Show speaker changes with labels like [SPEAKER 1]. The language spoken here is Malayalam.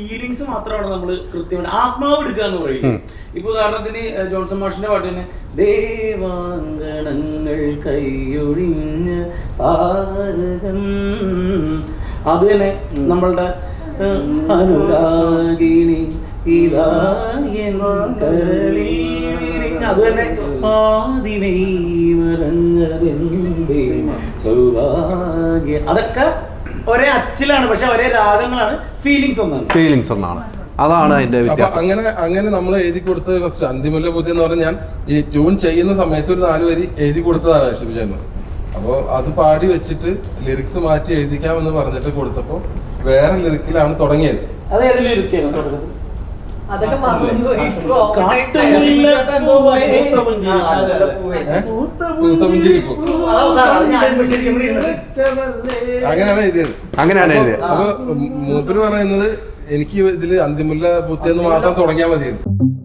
[SPEAKER 1] ഫീലിങ്സ് മാത്രമാണ് നമ്മൾ കൃത്യമായിട്ട് ആത്മാവ് എടുക്കുക എന്ന് പറയുന്നത്. ഇപ്പൊ ഉദാഹരണത്തിന് ജോൺസൺ മാഷിന്റെ പാട്ടിന് ദേവാങ്കണങ്ങൾ കൈയൊഴിഞ്ഞ താരകം, അത് തന്നെ നമ്മളുടെ അനുരാഗിണി അത് തന്നെ ആദിനൈ മറഞ്ഞതെന്തേ സൗഭാഗ്യ, അതൊക്കെ ഒരേ അച്ചിലാണ്, പക്ഷെ ഒരേ രാഗങ്ങളാണ്, ഫീലിങ്സ് ഒന്നാണ്.
[SPEAKER 2] അതാണ് അതിന്റെ
[SPEAKER 3] അങ്ങനെ നമ്മൾ എഴുതി കൊടുത്ത ഫസ്റ്റ് അന്തിമുല്ല ബുദ്ധി എന്ന് പറഞ്ഞാൽ ഞാൻ ഈ ട്യൂൺ ചെയ്യുന്ന സമയത്ത് ഒരു 4 വരി എഴുതി കൊടുത്തതാണ് ശിവചേട്ടൻ. അപ്പോൾ അത് പാടി വെച്ചിട്ട് ലിറിക്സ് മാറ്റി എഴുതിക്കാമെന്ന് പറഞ്ഞിട്ട് കൊടുത്തപ്പോൾ വേറെ ലിറിക്കിലാണ് തുടങ്ങിയത്. അങ്ങനെയാണ് എഴുതിയത്. അപ്പൊ മൂപ്പര് പറയുന്നത് എനിക്ക് ഇതില് അന്തിമുല്ല ബുദ്ധി എന്ന് മാത്രം തുടങ്ങിയാൽ മതിയെന്ന്.